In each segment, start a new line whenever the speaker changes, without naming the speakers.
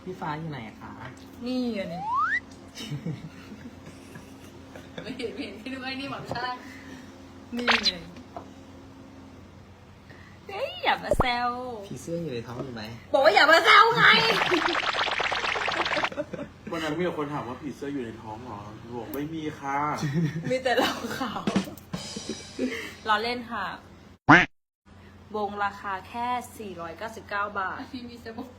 พี่ฟ้าอยู่ไหนคะ
นี่อันนี้ ไม่เห็นพี่นึกว่านี่หมอนข้างนี่ไงเฮ้ยอย่ามาแซว
ผีเสื้ออยู่ในท้องอยู่ไหม
บอกว่าอย่ามาแซวไง
วันนั้นมีคนถามว่าผีเสื้ออยู่ในท้องเหรอบอกไม่มีค่ะ
มีแต่เราขาวเราเล่นค่ะวงราคาแค่ 499 บาทพี่มีสบู่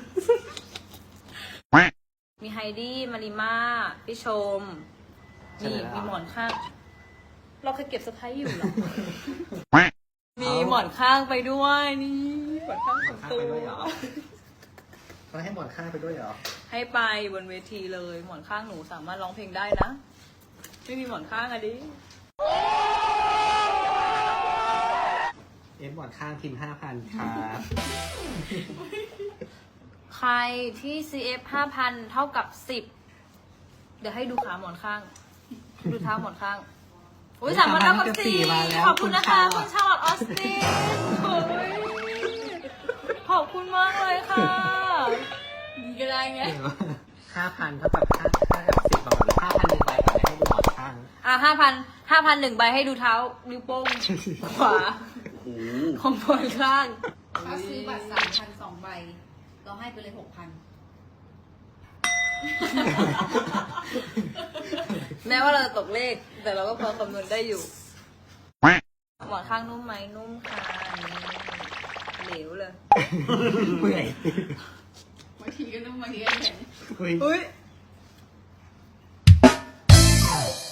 มีไฮดี้มาริมาพี่ชมนี่มีหมอนข้าง เราเคยเก็บสไพรส์อยู่เหรอ มีหมอนข้างไปด้วยนี่หมอนข้างของตัว
เขาให้หมอนข้างไปด้วยเหรอ
ให้ไปบนเวทีเลยหมอนข้างหนูสามารถร้องเพลงได้นะ ไม่มีหมอนข้างอะดิ
เอฟหมอนข้างพิมพ์ 5,000 ครับ
ใครที่ CF 5,000 เท่ากับ 10 เดี๋ยวให้ดูขาหมอนข้าง ดูเท้าหมอนข้างอุ้ยสามพันเท่ากับ4ขอบคุณนะคะคุณชาลอตออสตินโอ้ยขอบคุณมากเลยค่ะดีก็ได้ไง
5,000 เท่ากับ10ประมาณ5,000 1ใบก่อนให้ดูหมอนข้าง
อ่ะ5,000 1ใบให้ดูเท้านิ้วโป้งขวา
โอ้โห
ของหมอนข้าง
ถ้าซื้อบัตร3,000 2 ใบ เราให้ไปเลย 6,000
แม้ว่าเราจะตกเลข แต่เราก็พอคำนวณได้อยู่ หมอนข้างนุ่มไหมนุ่มค่ะเหลวเลย
เมื่อย
บางทีก็นุ่มบางทีก็แข็ง
เฮ้ย
อุ้ย